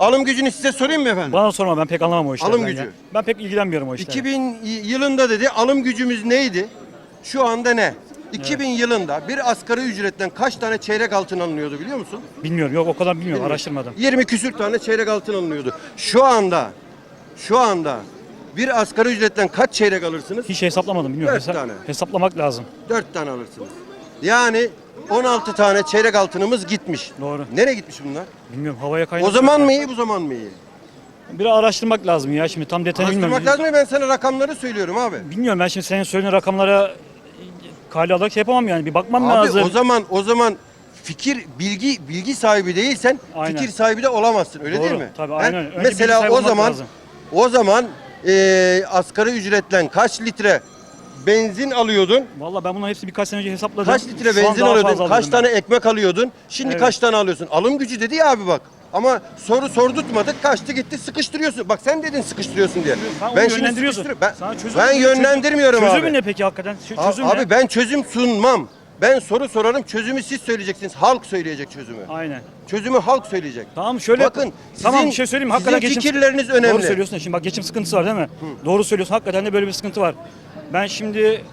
alım gücünü size sorayım mı efendim? Bana sorma, ben pek anlamam o işlerden. Alım gücü. Ya. Ben pek ilgilenmiyorum o işlerle. 2000 yılında dedi alım gücümüz neydi? Şu anda ne? 2000 yılında bir asgari ücretten kaç tane çeyrek altın alınıyordu biliyor musun? Bilmiyorum, yok o kadar bilmiyorum, araştırmadım. 20 küsür tane çeyrek altın alınıyordu. Şu anda bir asgari ücretten kaç çeyrek alırsınız? Hiç hesaplamadım, bilmiyorum. 4 tane. Hesaplamak lazım. 4 tane alırsınız. Yani 16 tane çeyrek altınımız gitmiş. Doğru. Nereye gitmiş bunlar? Bilmiyorum, havaya kaynak. O zaman mı iyi, bu zaman mı iyi? Biraz araştırmak lazım ya, şimdi tam detayını bilmiyorum. Araştırmak lazım ya, ben sana rakamları söylüyorum abi. Bilmiyorum, ben şimdi senin söylediğin rakamlara kale alarak şey yapamam yani, bir bakmam Abi lazım. o zaman bilgi sahibi değilsen Aynen. fikir sahibi de olamazsın, öyle Doğru, değil mi? tabii, He? aynen. Önce bilgi Mesela sahibi olmak lazım. o zaman asgari ücretle kaç litre benzin alıyordun? Vallahi ben bunların hepsi birkaç sene önce hesapladım. Kaç litre Şu an benzin daha alıyordun? fazla Kaç alıyorum tane ekmek alıyordun? Şimdi Evet. kaç tane alıyorsun? Alım gücü dedi ya abi bak. Ama soru sordurtmadık, kaçtı gitti, sıkıştırıyorsun. Bak sen dedin sıkıştırıyorsun diye. Sen onu Ben şimdi yönlendiriyorsun. sıkıştırıyorum. Sana çözüm- Ben yönlendirmiyorum abi. Çözümü ne peki hakikaten? Çözüm ne? Abi ben çözüm sunmam. Ben soru sorarım, çözümü siz söyleyeceksiniz. Halk söyleyecek çözümü. Aynen. Çözümü halk söyleyecek. Tamam şöyle Bakın, tamam sizin- bir şey söyleyeyim mi? sizin Hakikaten fikirleriniz önemli. Doğru söylüyorsun. Şimdi bak, geçim sıkıntısı var değil mi? Doğru söylüyorsun. Hakikaten de böyle bir sıkıntı var. Ben şimdi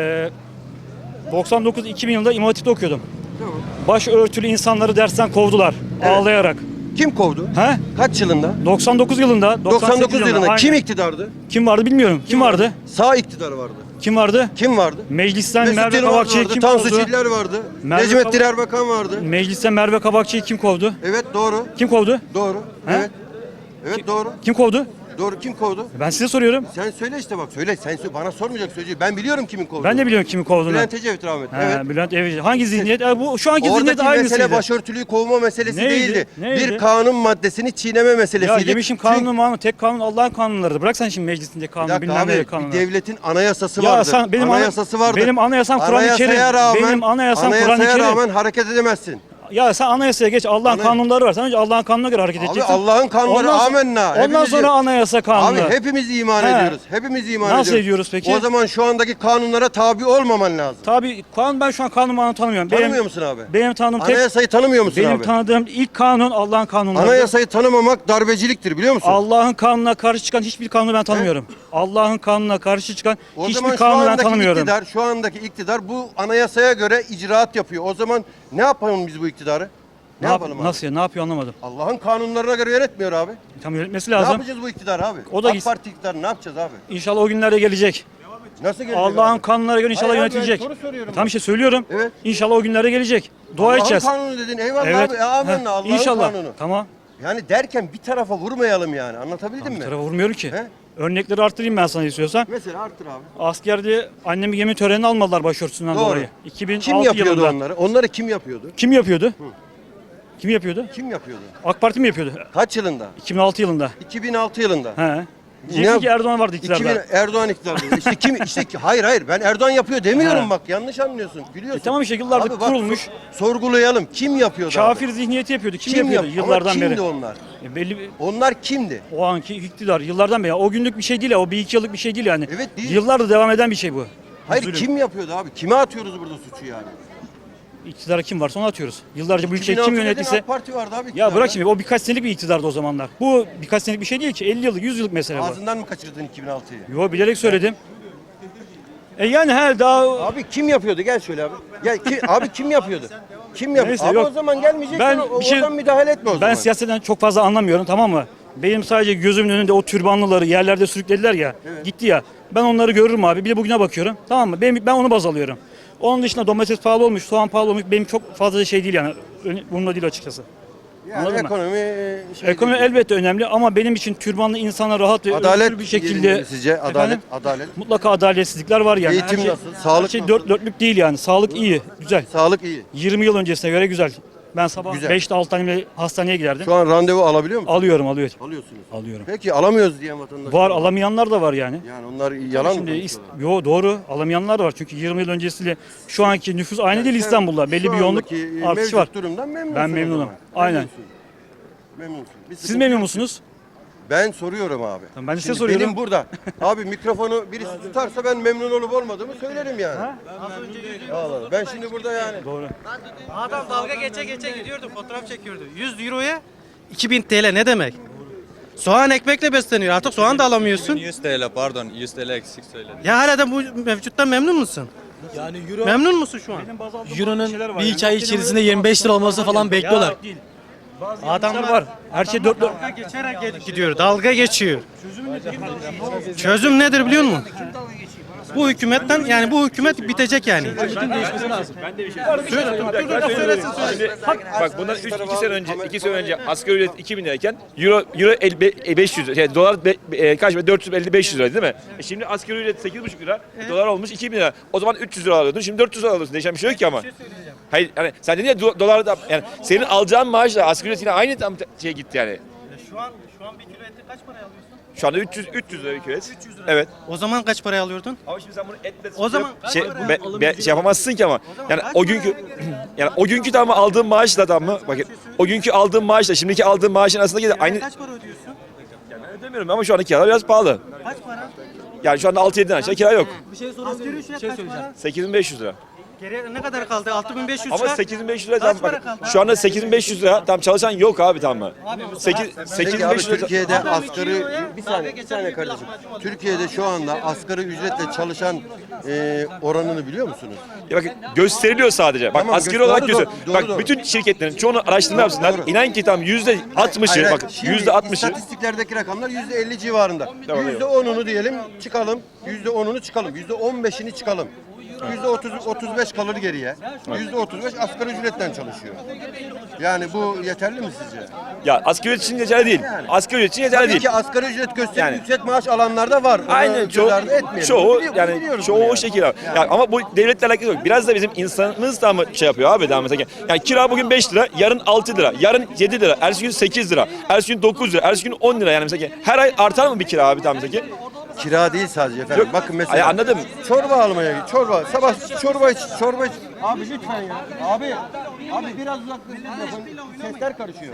99-2000 yılında İmam Hatip'te okuyordum. Tamam. Başörtülü insanları dersten kovdular Evet. ağlayarak. Kim kovdu? He? Kaç yılında? 99 yılında, 99 yılında. aynen. Kim iktidardı? Kim vardı bilmiyorum. Kim vardı? Sağ iktidar vardı. Kim vardı? Kim vardı? Meclisten Mesut Merve Yılmaz Kabakçı'yı vardı, kim Tansu kovdu? Çiller vardı, Merve Necmettin Kabak- Erbakan vardı. Meclisten Merve Kabakçı'yı kim kovdu? Evet doğru. Kim kovdu? Doğru. He? Evet. Evet doğru. Kim kovdu? Doğru. Kim kovdu? Ben size soruyorum. Sen söyle işte bak söyle. Sen söyle. Bana sormayacak sözcüğü. Ben biliyorum kimin kovduğunu. Ben de biliyorum kimi kovduğunu. Bülent Ecevit rahmetli. He, Evet. Bülent Ecevit. Hangi zihniyet? Bu şu anki zihniyet Oradaki aynısıydı. mesele başörtülüyü kovma meselesi Neydi? değildi. Neydi? Bir kanun maddesini çiğneme Ya meselesiydi. yemişim kanunu tek kanun Allah'ın kanunlarıdır. Bırak sen şimdi meclisinde Bir kanunu dakika bilmem ne abi, kanunu. bir devletin anayasası Ya vardır. sen benim anayasası vardır. Benim anayasam Kur'an-ı Anayasaya Kerim. rağmen, Benim anayasam Kur'an-ı anayasaya Kerim. rağmen hareket edemezsin. Ya sen anayasaya geç. Allah'ın Anay- kanunları var. Sen önce Allah'ın kanununa göre hareket Abi edeceksin. Allah'ın kanunları Ondan sonra- amenna. Ondan Hepimiz- sonra anayasa kanunu. Abi hepimiz iman He. ediyoruz. Hepimiz iman Nasıl ediyoruz. ediyoruz peki? O zaman şu andaki kanunlara tabi olmaman lazım. Tabii kanun, ben şu an kanunu tanımıyorum. Tanımıyor musun abi? Benim tanıdığım tek Anayasayı tanımıyor musun benim abi? tanıdığım ilk kanun Allah'ın kanunları. Anayasayı tanımamak darbeciliktir biliyor musun? Allah'ın kanununa karşı çıkan hiçbir kanunu ben tanımıyorum. Allah'ın kanununa karşı çıkan O zaman hiçbir şu kanunu ben andaki tanımıyorum. şu andaki iktidar bu anayasaya göre icraat yapıyor. O zaman ne yapalım biz bu iktidarı? Ne yapalım abi? Nasıl ya? Ne yapıyor anlamadım. Allah'ın kanunlarına göre yönetmiyor abi. Tam yönetmesi Ne lazım. yapacağız bu iktidarı abi? O da AK gitsin. Parti iktidarı ne yapacağız abi? İnşallah o günlerde gelecek. Nasıl gelecek Allah'ın abi? kanunlara göre inşallah Hayır abi, yönetilecek. ben soru soruyorum Tam ben. bir şey söylüyorum. Evet. İnşallah o günlerde gelecek. Dua Allah'ın edeceğiz. kanunu dedin eyvallah Evet. abi. Amenna Heh, Allah'ın İnşallah. kanunu. Tamam. Yani derken bir tarafa vurmayalım yani. Anlatabildim Bir mi? tarafa vurmuyorum ki. He? Örnekleri arttırayım ben sana istiyorsan. Mesela arttır abi. Askerde annemi gemi törenine almadılar başörtüsünden Doğru. dolayı. 2006 Kim yapıyordu yılında. onları? Onları kim yapıyordu? Kim yapıyordu? Kim yapıyordu? Kim yapıyordu? AK Parti mi yapıyordu? Kaç yılında? 2006 yılında. 2006 yılında. He. Diyeceksin ki Erdoğan vardı iktidarda. Erdoğan iktidarda. İşte kim hayır ben Erdoğan yapıyor demiyorum He. bak yanlış anlıyorsun. Gülüyorsun. Tamam işte yıllardır Abi bak, kurulmuş. Sorgulayalım. Kim yapıyordu Kafir abi? zihniyeti yapıyordu. Kim yapıyordu Ama yıllardan kimdi beri? onlar? Belli bir, Onlar kimdi? o anki iktidar yıllardan beri. O günlük bir şey değil ya. O bir iki yıllık bir şey değil yani. Evet, değil. Yıllardır devam eden bir şey bu. Hayır Zulüm. kim yapıyordu abi? Kime atıyoruz burada suçu yani? İktidara kim varsa onu atıyoruz. Yıllarca bu ülkeyi 2006 kim dedin, yönettiyse. AK Parti vardı abi. Ya iktidarda. bırak şimdi, o birkaç senelik bir iktidardı o zamanlar. Bu birkaç senelik bir şey değil ki. 50 yıllık 100 yıllık mesele bu. Ağzından mı kaçırdın 2006'yı? Yo, bilerek söyledim. Yani her daha Abi kim yapıyordu? Gel şöyle abi. Gel abi kim yapıyordu? Kim yapıyordu? Neyse, Abi yok. o zaman gelmeyeceksin. Ben Ben bir şey- oradan müdahale etme o zaman. ben siyasetten çok fazla anlamıyorum, tamam mı? Benim sadece gözümün önünde o türbanlıları yerlerde sürüklediler ya. Gitti ya. Ben onları görürüm abi. Bir de bugüne bakıyorum. Tamam mı? Ben onu baz alıyorum. Onun dışında domates pahalı olmuş, soğan pahalı olmuş. Benim çok fazla şey değil yani. Bununla değil açıkçası. Yani Anladın mı? ekonomi Ekonomi elbette önemli ama benim için türbanlı insana rahat ve Adalet özgür bir şekilde sizce adalet Efendim? adalet mutlaka adaletsizlikler var yani. Eğitim Her şey, nasıl? Sağlık her şey nasıl? dört dörtlük değil yani. Sağlık iyi, güzel. sağlık iyi. 20 yıl öncesine göre güzel. Ben sabah Güzel. 5'te 6 tane hastaneye giderdim. Şu an randevu alabiliyor musun? Alıyorum. Alıyorsunuz. Alıyorum. Peki alamıyoruz diyen vatandaş. Var, alamayanlar da var yani. Yani onlar yalan mı Şimdi konuşuyorlar? yo, doğru, alamayanlar da var. Çünkü 20 yıl öncesiyle şu anki nüfus aynı değil Sen İstanbul'da. Belli şu bir yoğunluk andaki, artışı mevcut var. durumdan memnunsun. Ben o memnunum. zaman. Aynen. Memnunsun. Memnunsun. Bir Siz sıkıntı memnun yok. musunuz? Ben soruyorum abi. Tamam, ben de size Şimdi soruyorum. Benim burada. Abi mikrofonu birisi tutarsa ben memnun olup olmadığımı söylerim yani. Allah. Ben şimdi burada yani. Doğru. Adam dalga geçe geçe gidiyordu, fotoğraf çekiyordu. 100 euroya 2000 TL ne demek? Soğan ekmekle besleniyor. Artık soğan da alamıyorsun. 100 TL pardon 100 TL eksik söyledim. Ya hala da bu mevcuttan memnun musun? Yani euro, Memnun musun şu an? euronun bir iki ay içerisinde 25 lira olması falan bekliyorlar. Adamlar var. Her şey dört. Dalga geçerek gidiyor. Dalga geçiyor. Çözüm nedir biliyor musun? Bu hükümetten yani bu hükümet bitecek yani. Bak bundan 2 sene önce asgari ücret 2000 lirayken euro 500 lira, yani dolar kaç lira? 450-500 lira değil mi? Şimdi asgari ücret 8,5 lira, dolar olmuş 2000 lira. O zaman 300 lira alıyordun, şimdi 400 lira alıyorsun. Değişen bir şey yok ki ama. Hayır, yani sen dedin ya dolar da, yani senin alacağın maaşla asgari ücret yine aynı tam şey gitti yani. Şu an bir kilo eti kaç paraya alıyorsun? Şu anda 300 lira bir kilo et. Evet. O zaman kaç paraya alıyordun? Ama şimdi sen bunu etle O zaman şey yapamazsın ki ama. Yani o günkü yani o günkü tamam aldığın maaşla tamam mı? Bakın o günkü aldığın maaşla şimdiki aldığın maaşın arasında gene aynı. Kaç para ödüyorsun? Yani ben ödemiyorum ama şu anda kiralar biraz pahalı. Kaç para? Yani şu anda 6-7'den aşağı kira yok. Asgari ücret kaç para? 8.500 lira. Geriye ne kadar kaldı? 6500 Ama çıkar. 8.500 lira Kaç tam para bak. kaldı? Şu anda 8.500 lira tam çalışan yok abi tamam mı? Peki abi 8.500 lira. Türkiye'de Adam asgari içiyor ya, bir dalga saniye geçen bir kardeşim. lahmacun Türkiye'de şu anda asgari ücretle çalışan oranını biliyor musunuz? Ya bakın gösteriliyor sadece. Bak Tamam, asgari doğru, olarak doğru, gösteriyor. doğru, Bak doğru. bütün şirketlerin çoğunu araştırma yapsınlar. Doğru. İnan ki tam %60'ı Hayır, bak şimdi %60'ı. istatistiklerdeki rakamlar %50 civarında. Tamam, %10'unu diyelim çıkalım. %10'unu çıkalım. %15'ini çıkalım. %35 kalır geriye. %35 asgari ücretten çalışıyor. Yani bu yeterli mi sizce? Ya asgari ücret için yeterli değil. Asgari ücret için yeterli Tabii değil. ki asgari ücret gösterip Yani- yüksek maaş alanlar da var. Onu Aynen göz ardı etmeyelim. çoğu Bunu yani biliyoruz çoğu bunu o yani. şekilde abi. Yani ama bu devletle alakası yok. Biraz da bizim insanımız da mı şey yapıyor abi daha mesela. Yani kira bugün 5 lira, yarın 6 lira, yarın 7 lira, ertesi gün 8 lira, ertesi gün 9 lira, ertesi gün 10 lira yani mesela. Her ay artar mı bir kira abi tam mesela? Kira değil sadece efendim. Yok. Bakın mesela. Ay, anladım. Çorba almaya git. Çorba. Sabah çorba iç. Çorba iç. Abi lütfen ya. Abi biraz uzaklaşın. Sesler karışıyor.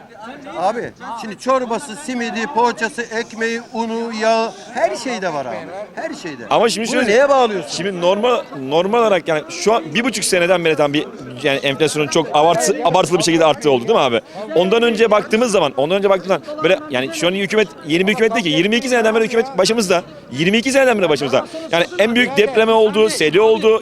Abi şimdi çorbası, simidi, poğaçası, ekmeği, unu, yağı her şeyde var abi. Her şeyde. Ama şimdi Bunu şöyle neye bağlıyorsun? Şimdi normal olarak yani şu an 1,5 seneden beri tam bir yani enflasyonun çok abartılı bir şekilde arttığı oldu değil mi abi? Ondan önce baktığımız zaman böyle yani şu an hükümet yeni bir hükümet değil ki 22 seneden beri hükümet başımızda. 22 seneden beri başımızda. Yani en büyük depreme oldu, seli oldu.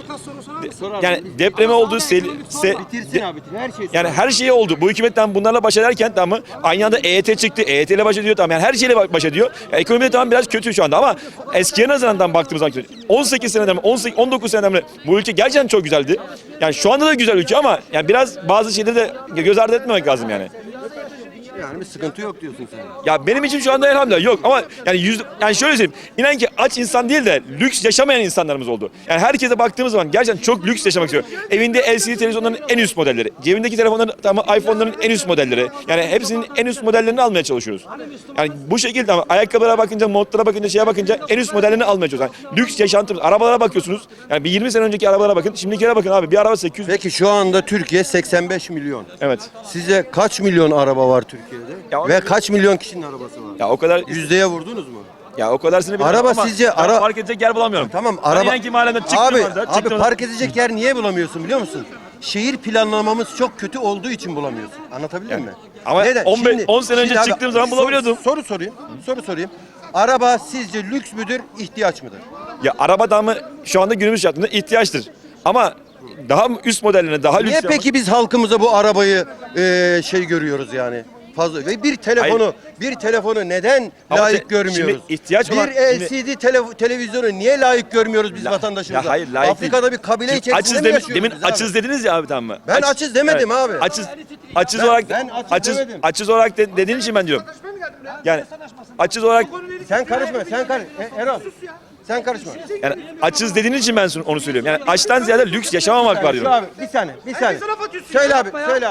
Yani depreme oldu, Bitirsin abi. Her şey. yani her şey oldu. Bu hükümetten bunlarla baş ederken tamam mı? Aynı anda EYT çıktı. EYT ile baş ediyor tamam. Yani her şeyle baş ediyor. Ekonomi de tamam biraz kötü şu anda ama eskiye nazaran baktığımız zaman kötü. 18 seneden 19 seneden beri bu ülke gerçekten çok güzeldi. Yani şu anda da güzel ülke ama yani biraz bazı şeyleri de göz ardı etmemek lazım yani. Yani bir sıkıntı yok diyorsun sen. Ya benim için şu anda elhamdülillah yok ama yani şöyle söyleyeyim. İnan ki aç insan değil de lüks yaşamayan insanlarımız oldu. Yani herkese baktığımız zaman gerçekten çok lüks yaşamak istiyor. Evinde LCD televizyonların en üst modelleri, cebindeki telefonların tamam iPhone'ların en üst modelleri. Yani hepsinin en üst modellerini almaya çalışıyoruz. Yani bu şekilde ama ayakkabılara bakınca, montlara bakınca, şeye bakınca en üst modellerini almaya çalışıyoruz. Yani lüks yaşantımız. Arabalara bakıyorsunuz. Yani bir 20 sene önceki arabalara bakın. Şimdikilere bakın abi. Bir araba 800. Peki şu anda Türkiye 85 milyon. Evet. Size kaç milyon araba var Türkiye'de? Ya Ve kaç milyon kişinin arabası var? Ya o kadar Yüzdeye vurdunuz mu? ya o kadarsını bilmiyorum Araba ama sizce ben park edecek yer bulamıyorum. Tamam Ben araba. inan ki mahallemden çıktım Abi orada, park edecek yer niye bulamıyorsun biliyor musun? Şehir planlamamız çok kötü olduğu için bulamıyorsun. Anlatabildim mi? ama 10 sene önce şimdi abi, çıktığım zaman bulabiliyordum. Soru sorayım. Araba sizce lüks müdür, ihtiyaç mıdır? Ya araba da mı şu anda günümüz şartında ihtiyaçtır. Ama daha üst modellerine daha lüks. Niye peki biz halkımıza bu arabayı görüyoruz yani? Fazla ve bir telefonu neden Ama layık görmüyoruz? şimdi ihtiyaç olan- bir LCD televizyonu niye layık görmüyoruz biz vatandaşımıza? Ya hayır, layık Afrika'da bir kabile Şimdi içerisinde mi yaşıyoruz demin biz abi? açız dediniz ya abi tamam mı? Ben açız demedim abi. Açız Ben- olarak ben açız demedim. açız olarak dediğin için ben diyorum. Yani açız olarak Sen karışma, Erol. Sen karışma. yani açız dediğin için ben onu söylüyorum. Yani açtan ziyade lüks yaşamamak var Şu diyorum. abi bir saniye. Söyle abi.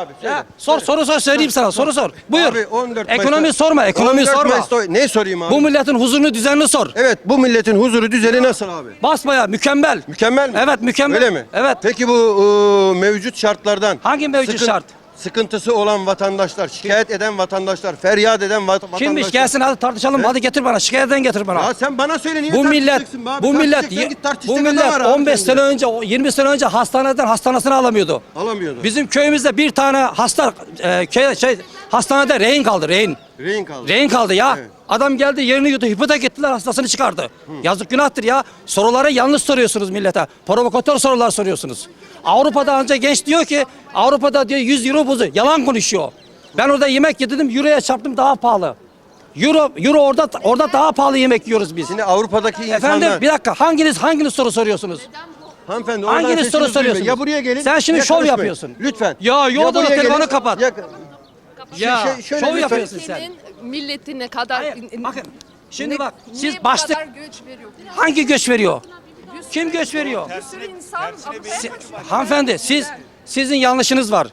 Soru sor söyleyeyim sana. Soru sor. Buyur. Abi 14 Ekonomi Mayıs'ta- sorma. Ekonomi 14 sorma. Mayıs'ta ne sorayım abi? Bu milletin huzurunu düzenini sor. Evet bu milletin huzuru düzeni nasıl abi? Basmaya mükemmel. Mükemmel mi? Evet, mükemmel. Öyle mi? Evet. Peki bu mevcut şartlardan Hangi mevcut şart? Sıkıntısı olan vatandaşlar, şikayet eden vatandaşlar, feryat eden vatandaşlar. Kimmiş gelsin hadi tartışalım. Hadi getir bana. Şikayetten getir bana. Ya sen bana söyle niye Bu millet tartışacaksın be abi? bu millet Tartışacaksan git tartış, bu işte millet kadar var abi 15 sende. sene önce 20 sene önce hastanesini alamıyordu. Alamıyordu. Bizim köyümüzde bir tane hasta hastanede rehin kaldı, rehin. Rehin kaldı. Rehin kaldı ya. Evet. Adam geldi yerini yuttu, hipotek ettiler, hastasını çıkardı. Yazık günahtır ya. Soruları yanlış soruyorsunuz millete. Provokatör sorular soruyorsunuz. Avrupa'da ancak genç diyor ki, Avrupa'da diyor 100 euro buzu. Yalan konuşuyor. Ben orada yemek yedim, euroya çarptım, daha pahalı. Euro orada daha pahalı yemek yiyoruz biz. Şimdi Avrupa'daki insanlar... Efendim bir dakika, hanginiz soru soruyorsunuz? Hanımefendi oradan Hanginiz sesinizi soru duymuyor. soruyorsunuz? Ya buraya gelin. Sen şimdi ya şov konuşmayın. yapıyorsun. Lütfen. Ya yolda buraya telefonu gelin. kapat. Ya şöyle şov lütfen. yapıyorsun sen. Ülkenin milletine kadar Hayır, bakın şimdi ne- bak niye siz bu başlık kadar göç veriyor? hangi göç veriyor? Kim göç veriyor? Bir sürü insan Hanımefendi sizin yanlışınız var.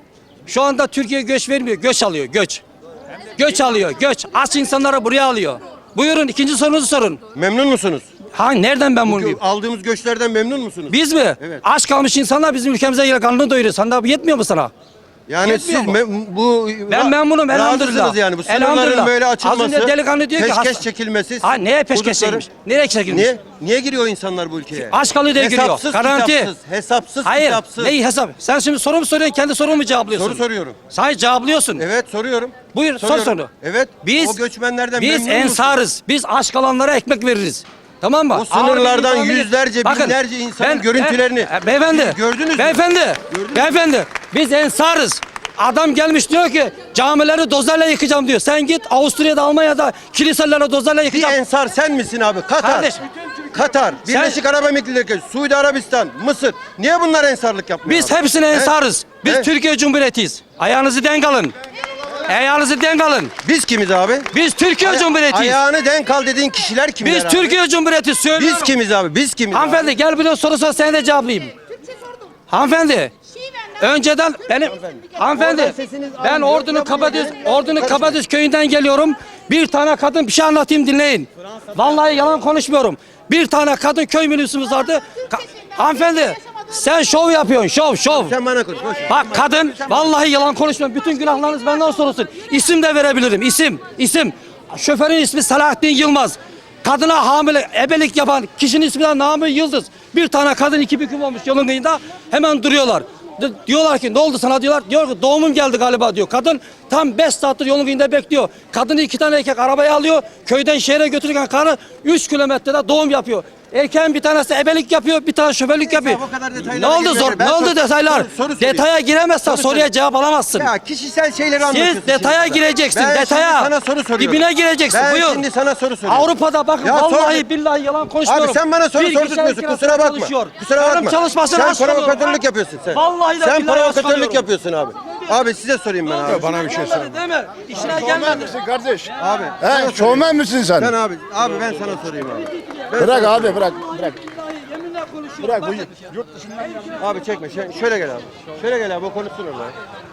Şu anda Türkiye göç vermiyor, göç alıyor, göç. Göç alıyor, göç. Aç insanları buraya alıyor. Buyurun ikinci sorunuzu sorun. Memnun musunuz? Nereden ben bunu bileyim? Aldığımız göçlerden memnun musunuz? Biz mi? Evet. Aç kalmış insanlar bizim ülkemize gelip karnını doyuruyor. Sana bu yetmiyor mu sana? Yani Yetmiyor siz mu? ben memnunum elhamdülillah. Razısınız yani bu sınırların Elhamdülillah. böyle Az açılması. önce delikanlı diyor ki peşkeş çekilmesi. neye peşkeş hudutların- çekilmiş? Nereye çekilmiş? Niye giriyor insanlar bu ülkeye? Aç kalıyor diye giriyor. Hesapsız, Garanti. hesapsız, Hayır. kitapsız. Neyi hesap? Sen şimdi soru mu soruyorsun? Kendi sorumu mu cevaplıyorsun? Soru soruyorum. Hayır cevaplıyorsun. Evet soruyorum. Buyur sor Soruyorum. soru. Evet. Biz o göçmenlerden biz memnun musunuz? ensarız. Biz aç kalanlara ekmek veririz. Tamam mı? O sınırlardan Ağır bir yüzlerce, Bakın, binlerce insanın görüntülerini beyefendi, siz gördünüz mü? Beyefendi, Gördünüz mü? beyefendi, biz ensarız. Adam gelmiş diyor ki camileri dozerle yıkacağım diyor. Sen git Avusturya'da, Almanya'da kiliseleri dozerle Bir yıkacağım. ensar sen misin abi? Katar. Kardeş, Katar, Birleşik Arap Emirlikleri, Suudi Arabistan, Mısır. Niye bunlar ensarlık yapmıyor? Biz abi? hepsine He? ensarız. Biz He? Türkiye Cumhuriyetiyiz. Ayağınızı denk alın. Ayağınızı denk alın. Biz kimiz abi? Biz Türkiye Cumhuriyetiyiz. Ayağını denk al dediğin kişiler kimler Biz abi? Türkiye Cumhuriyeti söylüyorum. Biz kimiz abi? Biz kimiz? abi? Hanımefendi gel bir de soru sor seni de cevaplayayım. Hanımefendi. Önceden benim hanımefendi Oradan sesiniz ben alınıyor. Ordu'nun Ya Kabadüz buraya Ordu'nun karışma. Kabadüz köyünden geliyorum. Bir tane kadın bir şey anlatayım dinleyin. Vallahi yalan konuşmuyorum. Bir tane kadın köy minibüsümüz vardı. Hanımefendi sen şov yapıyorsun şov. Sen bana konuş. Boş ver. Bak kadın vallahi yalan konuşmuyorum. Bütün günahlarınız benden sorulsun. İsim de verebilirim. İsim. Şoförün ismi Selahattin Yılmaz. Kadına hamile ebelik yapan kişinin ismi de Nami Yıldız. Bir tane kadın iki büklüm olmuş yolun kıyında hemen duruyorlar. Diyorlar ki ne oldu sana diyorlar. Diyor ki doğumum geldi galiba diyor. Kadın tam 5 saattir yolun kıyında bekliyor. Kadını iki tane erkek arabaya alıyor. Köyden şehre götürürken karı 3 kilometrede doğum yapıyor. Erkeğin bir tanesi ebelik yapıyor, bir tane şoförlük yapıyor. o kadar detaylara Ne oldu girmeyelim. zor? Ben Ne oldu detaylar? soru sorayım. Detaya giremezsen Soru soruya sorayım. cevap alamazsın. Ya kişisel şeyleri anlatıyorsun. Siz detaya şimdi. gireceksin, Ben detaya. şimdi sana soru soruyorum. Dibine gireceksin, ben buyur. şimdi sana soru soruyorum. Avrupa'da bakın Ya vallahi sor- billahi yalan konuşmuyorum. Abi sen bana soru Bir kişi sordurtmuyorsun. kirasına Kusura bakma. çalışıyor. Kusura Benim bakma. çalışmasını Sen haşlamıyorum. provokatörlük yapıyorsun sen. Vallahi de Sen billahi provokatörlük haşlamıyorum. yapıyorsun abi. Abi size sorayım ben abi. Bana bir şey söyle. Değil mi? İşine gelmedi. Kardeş. Abi. He, şovmen misin sen? Ben abi ben sana sorayım abi. Bırak abi bırak. Yeminle konuşuyorum. Bırak bu Bakın. yurt dışından. Abi çekme. Şöyle gel abi. Şöyle gel abi o konuşsun orada.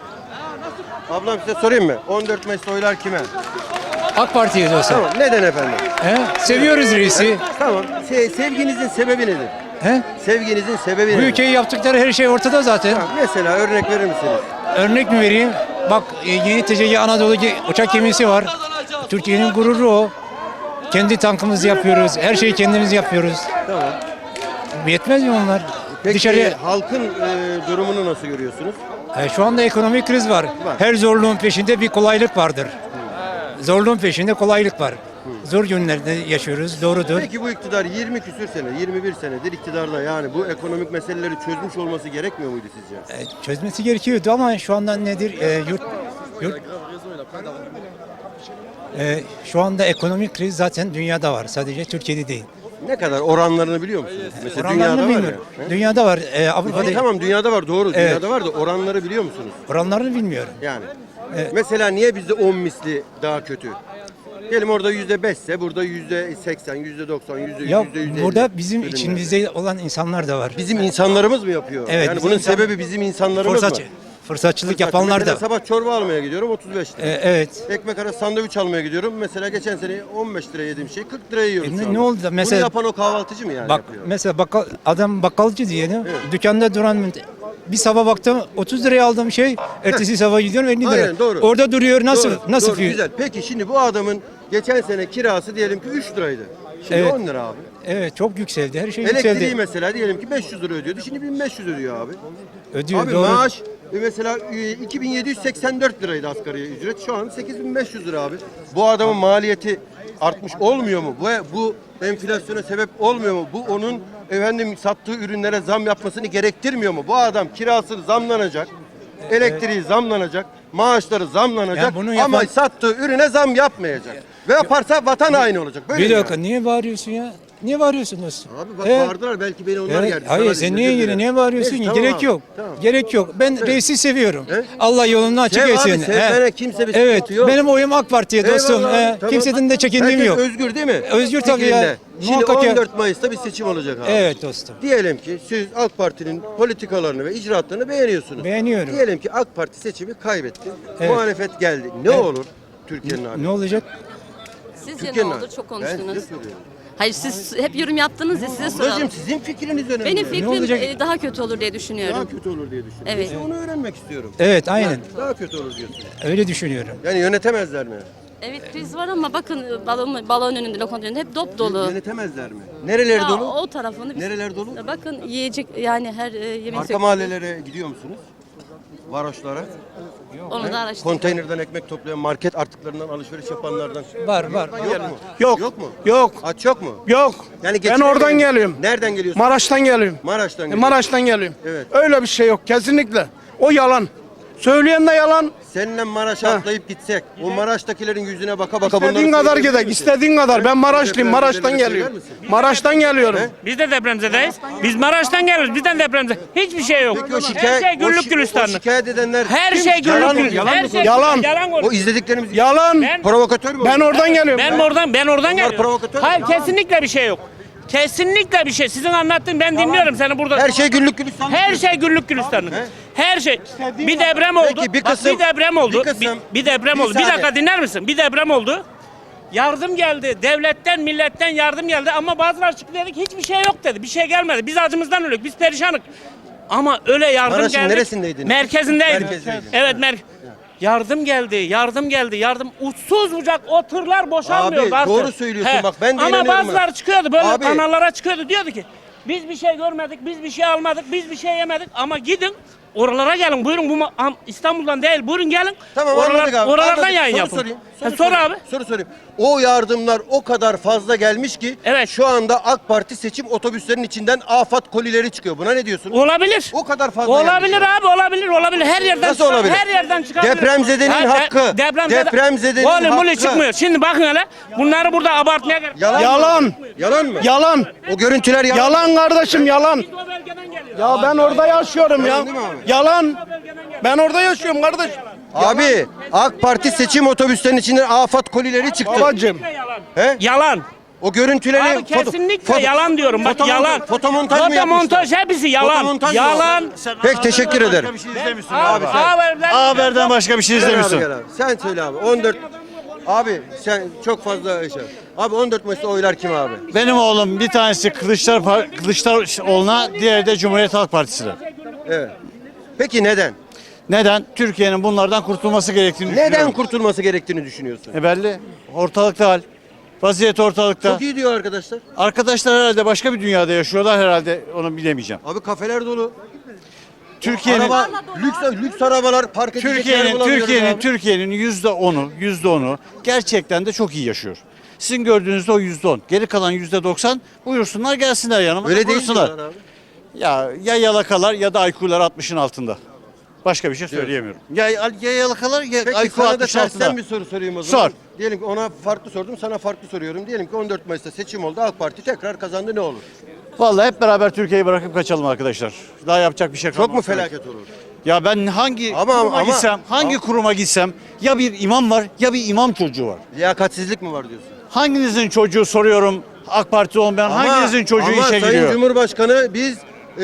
Ablam size sorayım mı? 14 Mayıs'ta oylar kime? AK Parti'ye diyorsun. Tamam. Neden efendim? He? Seviyoruz reisi. Tamam. Sevginizin sebebi nedir? He? Sevginizin sebebi Bu nedir? ülkeyi yaptıkları her şey ortada zaten. Tamam, mesela örnek verir misiniz? Örnek mi vereyim? Bak yeni TCG Anadolu uçak gemisi var. Türkiye'nin gururu o. Kendi tankımızı yapıyoruz. Her şeyi kendimiz yapıyoruz. Tamam. Yetmez mi onlar? Peki Dışarıya halkın durumunu nasıl görüyorsunuz? Şu anda ekonomik kriz var. Her zorluğun peşinde bir kolaylık vardır. Zorluğun peşinde kolaylık var. Zor günlerde yaşıyoruz. Doğrudur. Peki bu iktidar 20 küsür sene, 21 senedir iktidarda yani bu ekonomik meseleleri çözmüş olması gerekmiyor muydu sizce? Çözmesi gerekiyordu ama şu anda nedir? Şu anda ekonomik kriz zaten dünyada var. Sadece Türkiye'de değil. Ne kadar oranlarını biliyor musunuz? Mesela Oranlarını dünyada var bilmiyorum. ya. He? Dünyada var. Avrupa'da Tamam dünyada var doğru Evet. dünyada var da oranları biliyor musunuz? oranlarını bilmiyorum. Yani. Mesela niye bizde 10 misli daha kötü? Diyelim orada %5 ise burada %80, %90, Ya %100. burada bizim içimizde olan insanlar da var. Bizim insanlarımız mı yapıyor? Evet, Yani bizim bunun insan- sebebi bizim insanlarımız mı? Fırsatçılık yapanlar Mesela da. sabah çorba almaya gidiyorum 35 lira. Evet. Ekmek arası sandviç almaya gidiyorum. Mesela geçen sene 15 liraya yediğim şey 40 liraya yiyoruz şu Ne anda. oldu da mesela- Bunu yapan o kahvaltıcı mı yani Bak yapıyor? mesela adam bakkalcı diyelim. Dükkanda duran bir sabah baktım 30 liraya aldığım şey ertesi sabah gidiyorum 50 lira. Aynen, doğru. Orada duruyor nasıl Doğru, nasıl doğru, fiyat? güzel. Peki şimdi bu adamın geçen sene kirası diyelim ki 3 liraydı. Şimdi Evet. 10 lira abi. Evet çok yükseldi. Her şey Elektriği yükseldi. mesela diyelim ki 500 lira ödüyordu. Şimdi 1500 ödüyor abi. Ödüyor Abi doğru. maaş Mesela 2784 liraydı asgari ücret. Şu an 8500 lira abi. Bu adamın maliyeti artmış olmuyor mu? Bu enflasyona sebep olmuyor mu? Bu onun sattığı ürünlere zam yapmasını gerektirmiyor mu? Bu adam kirası zamlanacak, elektriği zamlanacak, maaşları zamlanacak Ya bunu yapan- ama sattığı ürüne zam yapmayacak. Ve yaparsa vatan haini olacak. Böyle Bir mi dakika yani? niye bağırıyorsun ya? Niye bağırıyorsun dostum? Abi bak Evet. bağırdılar belki beni onlar Evet. geldi. Hayır Sana sen dedim, niye özür yine dilerim. niye bağırıyorsun Neyse, ki? tamam Gerek abi, yok. tamam. Gerek yok. Ben reisi seviyorum. He? Allah yolunu açık Sev etsin. abi, sevmene He. kimse bir Evet. sıkıntı yok. Benim oyum AK Parti'ye dostum. Eyvallah, He. tamam. Kimseden de çekindiğim Herkes yok. özgür değil mi? Özgür tabii ya. Fikrinde. Şimdi Muhakkak ya. 14 Mayıs'ta bir seçim olacak abi. Evet dostum. Diyelim ki siz AK Parti'nin politikalarını ve icraatlarını beğeniyorsunuz. Beğeniyorum. Diyelim ki AK Parti seçimi kaybetti. Evet. Muhalefet geldi. Ne Evet. olur Türkiye'nin hali? Ne olacak? Sizce ne Türkiye'nin oldu? hali. Çok Ben size konuştunuz. soruyorum. Hayır siz hep yorum yaptınız ya size soralım. Ablacığım sizin fikriniz önemli. Benim Ne fikrim olacak? daha kötü olur diye düşünüyorum. Daha kötü olur diye düşünüyorum. Evet. İşte onu öğrenmek istiyorum. Evet aynen. Daha kötü olur diyorsun. Öyle düşünüyorum. Yani yönetemezler mi? Evet kriz var ama bakın balon önünde, lokanta önünde hep dop dolu. Yönetemezler mi? Nereleri Ya, dolu? o tarafını biz... Nereler dolu? Bakın yiyecek yani her yemek Arka mahallelere gidiyor musunuz? Varoşlara. Onu da araştırın. Konteynerden ekmek toplayan, market artıklarından alışveriş yapanlardan. Var. Yok mu? Yok. Yok mu? Yok. Aç yok mu? Yok. Yani Ben geçinemiyor oradan musun? geliyorum. Nereden geliyorsun? Maraş'tan geliyorum. Maraş'tan geliyorsun. Maraş'tan geliyorum. Evet. Öyle bir şey yok kesinlikle. O yalan. Söyleyen de yalan. Seninle Maraş'a atlayıp gitsek, o Maraş'takilerin yüzüne baka baka bunları İstediğin kadar söyleyebilir gidek. misin? İstediğin kadar. Ben Maraşlıyım. Maraş'tan Depremzedelere geliyorum. söyler misin? Maraş'tan geliyorum. Biz de depremzedeyiz. Biz Maraş'tan geliyoruz. Bizden depremzede. Hiçbir şey yok. Peki o Her şey güllük o gülistanlık. şikayet edenler Her kim? şey Yalan güllük mı? gülistanlık. Her şey Yalan. yalan O konuşuyor. izlediklerimiz Yalan. provokatör mü? Ben oradan geliyorum. Ben oradan geliyorum. provokatör. Hayır kesinlikle bir şey yok. Kesinlikle bir şey. Sizin anlattığın ben dinliyorum seni burada. Her şey güllük gülistanlık. Her şey güllük gülistanlık. He? Her şey. Bir deprem oldu. Peki, bir Bak, kısım- bir deprem oldu. bir kısım- Bir deprem bir oldu. Bir saniye. dakika dinler misin? Bir deprem oldu. Yardım geldi. Devletten, milletten yardım geldi ama bazıları çıktı dedik hiçbir şey yok dedi. Bir şey gelmedi. Biz acımızdan ölüyoruz. Biz perişanık. Ama öyle yardım Maraş'ın geldi. neresindeydiniz? Merkezindeydim. Merkezdeydin. Evet yardım geldi. Yardım uçsuz bucak o tırlar boşalmıyor. Abi, bazı. doğru söylüyorsun bak, ben de Ama inanıyorum bazıları buna. çıkıyordu böyle Abi. kanallara çıkıyordu diyordu ki biz bir şey görmedik, biz bir şey almadık, biz bir şey yemedik ama gidin oralara gelin buyurun bu İstanbul'dan değil buyurun gelin. Tamam anladık abi. Oralardan Anladık. yayın Soru yapın. sorayım. Sor sorayım. abi. Soru sorayım. O yardımlar o kadar fazla gelmiş ki Evet. şu anda AK Parti seçim otobüslerinin içinden afat kolileri çıkıyor. Buna ne diyorsun? Olabilir. O kadar fazla Olabilir gelmiş. abi olabilir. Her yerden Nasıl olabilir? Her yerden çıkabilir. Depremzedenin hakkı. Depremzedenin Oğlum hakkı. çıkmıyor. Şimdi bakın hele bunları burada abartmaya gerek. Yalan. Yalan. Mı? Yalan mı? Yalan. O görüntüler yalan. Yalan kardeşim yalan. Biz o bölgeden geliyoruz. Ya ben orada yaşıyorum ya. Yalan değil mi abi? Yalan. Ben orada yaşıyorum kardeş. Abi AK Parti seçim otobüslerinin içinden afat kolileri çıktı. Babacım. Yalan. He? Yalan. O görüntüleri Abi kesinlikle yalan diyorum. Bak fotomontaj- yalan. fotomontaj mı Fotomontaj hepsi yalan. Fotomontaj mı Yalan. Peki teşekkür ederim. Abi Haberden başka bir şey Gel abi, gel abi. Sen söyle abi. 14 Abi sen çok fazla şey. Abi 14 Mayıs'ta oylar kim abi? Benim oğlum bir tanesi Kılıçdaroğlu'na, diğeri de Cumhuriyet Halk Partisi'ne. Evet. Peki neden? Neden? Türkiye'nin bunlardan kurtulması gerektiğini Neden düşünüyorum. kurtulması gerektiğini düşünüyorsun? Belli. Ortalıkta hal. Vaziyet ortalıkta. Çok iyi diyor arkadaşlar. Arkadaşlar herhalde başka bir dünyada yaşıyorlar herhalde onu bilemeyeceğim. Abi kafeler dolu. Türkiye'nin Araba, lüks arabalar park edecek yer bulamıyoruz abi. Türkiye'nin %10'u gerçekten de çok iyi yaşıyor. Sizin gördüğünüzde o %10. Geri kalan %90 buyursunlar gelsinler yanıma. Öyle değil buyursunlar. diyorlar abi. Ya yalakalar ya da IQ'lar 60'ın altında. Başka bir şey söyleyemiyorum. Ya yalakalar ya Peki IQ sana da 60'ın altında. tersten bir soru sorayım o zaman. Sor. Diyelim ki ona farklı sordum, sana farklı soruyorum. Diyelim ki 14 Mayıs'ta seçim oldu, AK Parti tekrar kazandı, ne olur? Vallahi hep beraber Türkiye'yi bırakıp kaçalım arkadaşlar. Daha yapacak bir şey kalmaz. Çok mu felaket olur? Ya ben hangi Ama- kuruma gitsem ya bir imam var ya bir imam çocuğu var. Liyakatsizlik mi var diyorsun? Hanginizin çocuğu soruyorum AK Parti olmayan hanginizin çocuğu ama işe Sayın giriyor? Cumhurbaşkanı biz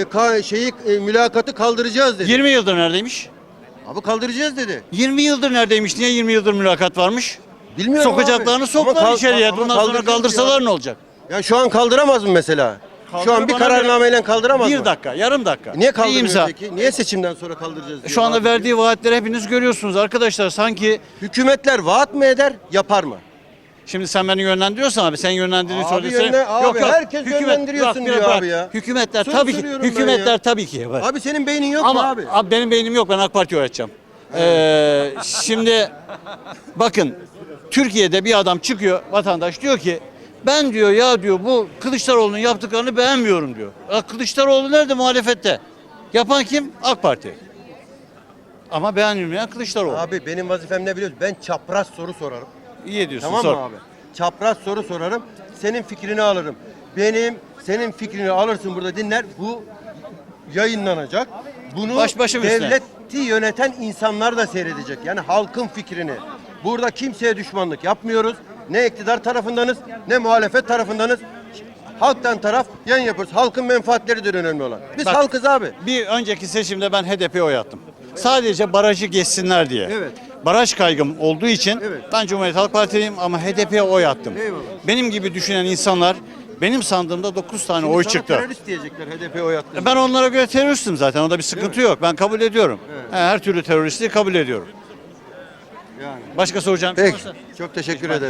mülakatı kaldıracağız dedi. 20 yıldır neredeymiş? Abi kaldıracağız dedi. 20 yıldır neredeymiş? Niye 20 yıldır mülakat varmış? Bilmiyorum Sokacaklarını abi. soktular Ama içeriye. ama Bundan sonra kaldıracağız kaldırsalar ya. ne olacak? Ya şu an kaldıramaz mı mesela? Şu an Kaldırır bir bana kararnameyle kaldıramaz mı? Bir dakika, yarım dakika. Niye Bir kaldırmıyor imza. peki? Niye seçimden sonra kaldıracağız diyor? Şu anda Vaat verdiği vaatleri hepiniz görüyorsunuz arkadaşlar. Sanki Hükümetler vaat mı eder, yapar mı? Şimdi sen beni yönlendiriyorsan abi sen yönlendirdiğini Abi söylesene. abi herkes yönlendiriyorsun diyor abi ya. Hükümetler Soru tabii ki soruyorum ben hükümetler ya. tabii ki var. Abi senin beynin yok mu Ama abi? benim beynim yok, ben AK Parti'ye oy atacağım. Şimdi bakın Türkiye'de bir adam çıkıyor, vatandaş diyor ki ben diyor ya diyor bu Kılıçdaroğlu'nun yaptıklarını beğenmiyorum diyor. Kılıçdaroğlu nerede muhalefette? Yapan kim? AK Parti. Ama beğenilmeyen Kılıçdaroğlu. Abi benim vazifem ne biliyorsun? Ben çapraz soru sorarım. İyi ediyorsun. Tamam sor. mı abi? Çapraz soru sorarım. Senin fikrini alırım. Senin fikrini alırsın burada dinler. Bu yayınlanacak. Bunu Başım üstüne. devleti yöneten insanlar da seyredecek. Yani halkın fikrini. Burada kimseye düşmanlık yapmıyoruz. Ne iktidar tarafındanız ne muhalefet tarafındanız. Halktan taraf yan yapıyoruz. Halkın menfaatleridir önemli olan. Biz Bak, halkız abi. Bir önceki seçimde ben HDP'ye oy attım. Sadece barajı geçsinler diye. Evet. Baraj kaygım olduğu için Evet. ben Cumhuriyet Halk Partiliyim ama HDP'ye oy attım. Eyvallah. Benim gibi düşünen insanlar, benim sandığımda 9 tane oy Sana çıktı. terörist diyecekler HDP'ye oy attı. Ben onlara göre teröristim zaten. Onda bir sıkıntı yok. Ben kabul ediyorum. Her türlü teröristliği kabul ediyorum. Yani. Başka soracağım. Peki. Çok teşekkür ederim.